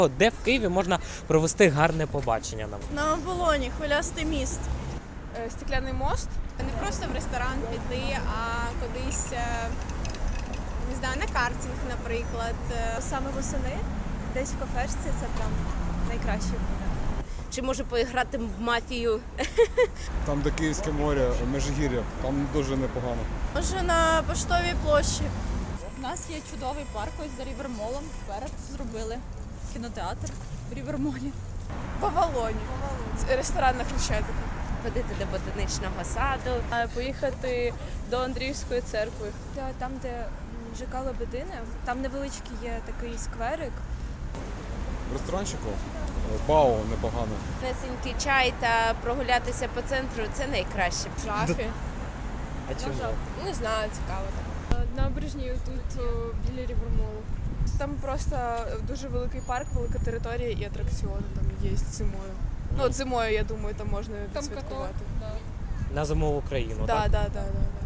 Де в Києві можна провести гарне побачення нам? На Оболоні, хвилястий міст. Стекляний мост. Не просто в ресторан піти, а кудись, не знаю, на картинг, наприклад. Саме восени, десь в кафешці, це прям найкраще буде. Чи може поіграти в мафію? Там, де Київське море, Межигір'я, там дуже непогано. Може на Поштовій площі. У нас є чудовий парк ось за Рівермолом. Вперед зробили кінотеатр в Рівермолі. В Авалоні. Ресторан на Хрещатику. Ходити до ботанічного саду. Поїхати до Андріївської церкви. Там, де ЖК Лебедини, там невеличкий є такий скверик. В ресторанчику Бао непогано. Несенький чай та прогулятися по центру – це найкраще. Жахи. А чому? Не знаю, цікаво так. Набережні тут біля Рівермолу. Там просто дуже великий парк, велика територія і атракціони там є зимою. Ну, от зимою, я думаю, там можна відсвяткувати. На зимову країну, так? Так.